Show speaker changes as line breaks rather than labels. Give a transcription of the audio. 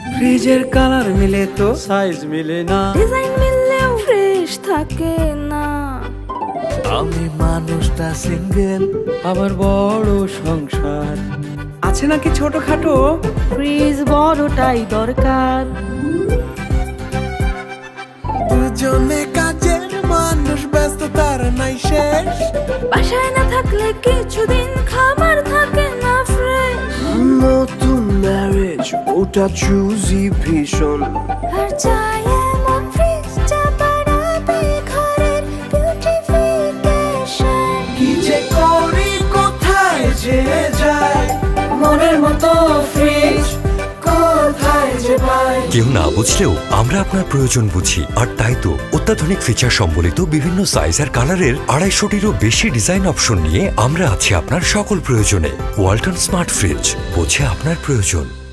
ফ্রিজের কালার মিলে তো সাইজ মিলে না,
ডিজাইন মিললেও ফ্রেশ থাকে না।
আমি মানুষটা সিঙ্গেল,
আবার বড় সংসার আছে নাকি ছোটখাটো,
ফ্রিজ বড়টাই দরকার।
দুজনে কাজের মানুষ, ব্যস্ত তার নাই শেষ।
বাসায় না থাকলে কিছুদিন খাবার থাকে না ফ্রেশ।
নতুন ম্যারেজ ওটা চুজি ভীষণ,
আর চাই এমন ফ্রিজটা বাড়াবে ঘরের বিউটিফিকেশন।
কি যে করি কোথায় যে যায়, মনের মতো ফ্রিজ কোথায় যে পাই।
কেউ না বুঝলেও আমরা আপনার প্রয়োজন বুঝি, আর তাই তো অত্যাধুনিক ফিচার সম্বলিত বিভিন্ন সাইজ আর কালারের 250-টিরও বেশি ডিজাইন অপশন নিয়ে আমরা আছি আপনার সকল প্রয়োজনে। ওয়ালটন স্মার্ট ফ্রিজ, বোঝে আপনার প্রয়োজন।